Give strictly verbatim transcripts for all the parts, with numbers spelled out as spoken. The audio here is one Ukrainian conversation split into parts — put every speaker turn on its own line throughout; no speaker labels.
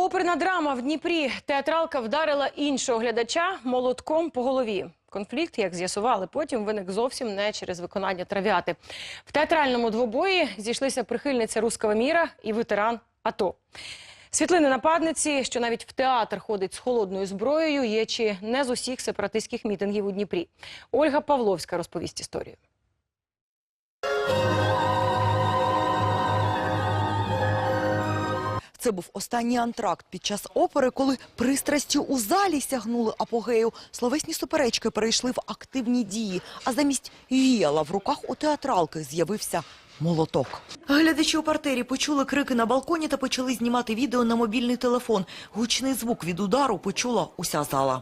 Оперна драма в Дніпрі. Театралка вдарила іншого глядача молотком по голові. Конфлікт, як з'ясували потім, виник зовсім не через виконання трав'яти. В театральному двобої зійшлися прихильниця «Русского міра» і ветеран АТО. Світлини нападниці, що навіть в театр ходить з холодною зброєю, є чи не з усіх сепаратистських мітингів у Дніпрі. Ольга Павловська розповість історію.
Це був останній антракт під час опери, коли пристрасті у залі сягнули апогею. Словесні суперечки перейшли в активні дії, а замість віяла в руках у театралки з'явився молоток. Глядачі у партері почули крики на балконі та почали знімати відео на мобільний телефон. Гучний звук від удару почула уся зала.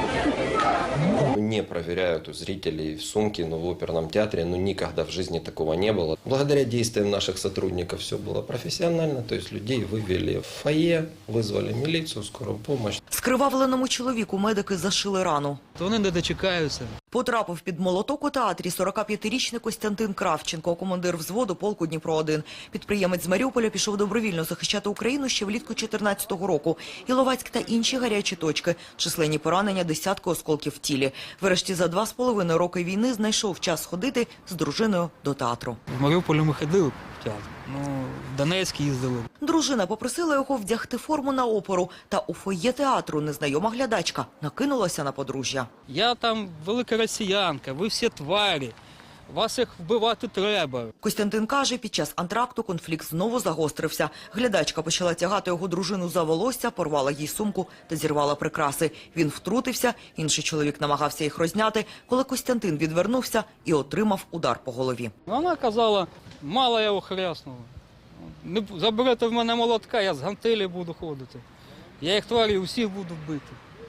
Не проверяют у зрителей в сумке, но в оперном театре ну, никогда в жизни такого не было. Благодаря действиям наших сотрудников все было профессионально, то есть людей вывели в фойе, вызвали милицию, скорую помощь.
Скривавленому чоловіку медики зашили рану.
То вони не дочекаються.
Потрапив під молоток у театрі сорокап'ятирічний Костянтин Кравченко, командир взводу полку Дніпро один. Підприємець з Маріуполя пішов добровільно захищати Україну ще влітку дві тисячі чотирнадцятого року. Іловайськ та інші гарячі точки, численні поранення, десятки осколків в тілі. Врешті за два з половиною роки війни знайшов час ходити з дружиною до театру.
В Маріуполі ми ходили в театр, ну, в Донецьк їздили.
Дружина попросила його вдягти форму на оперу, та у фоє театру незнайома глядачка накинулася на подружжя.
Я там велика росіянка, ви всі тварі, вас їх вбивати треба.
Костянтин каже, під час антракту конфлікт знову загострився. Глядачка почала тягати його дружину за волосся, порвала їй сумку та зірвала прикраси. Він втрутився, інший чоловік намагався їх розняти, коли Костянтин відвернувся і отримав удар по голові.
Вона казала, мало я його хряснула. Не заберете в мене молотка, я з гантелі буду ходити. Я їх тварі усіх буду бити.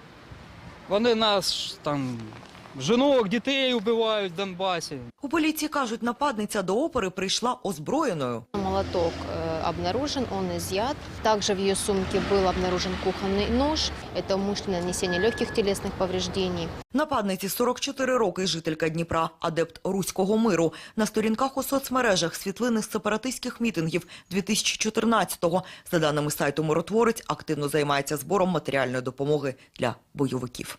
Вони нас там... жінок, дітей вбивають в Донбасі.
У поліції кажуть, нападниця до опери прийшла озброєною.
Молоток э, обнаружен, он изъят. Также в ее сумке был обнаружен кухонный нож. Это умышленное нанесение легких телесных повреждений.
Нападниці сорок чотири роки, жителька Дніпра, адепт Руського миру. На сторінках у соцмережах світлини з сепаратистських мітингів дві тисячі чотирнадцятого. За даними сайту «Миротворець», активно займається збором матеріальної допомоги для бойовиків.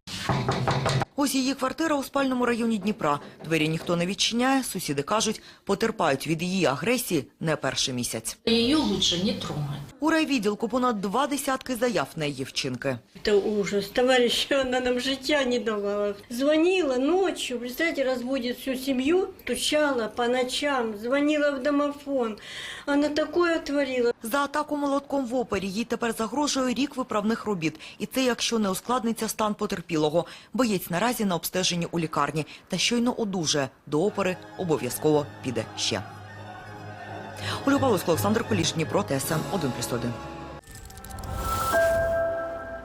Ось її квартира у спальному районі Дніпра. Двері ніхто не відчиняє, сусіди кажуть, потерпають від її агресії не перший місяць.
Її лучше не трогати.
У райвідділку понад два десятки заяв на її вчинки.
Це ужас. Товариш, вона нам життя не давала. Дзвонила ночі, представляєте, розбудить всю сім'ю, стучала по ночам, дзвонила в домофон. Вона таке творила.
За атаку молотком в опері їй тепер загрожує рік виправних робіт. І це, якщо не ускладниться стан потерпілого. Боєць наразі на обстеженні у лікарні. Та щойно одужає. До опери обов'язково піде ще. Ольга Павловська, Олександр Куліш, Дніпро, Т С Н один плюс один.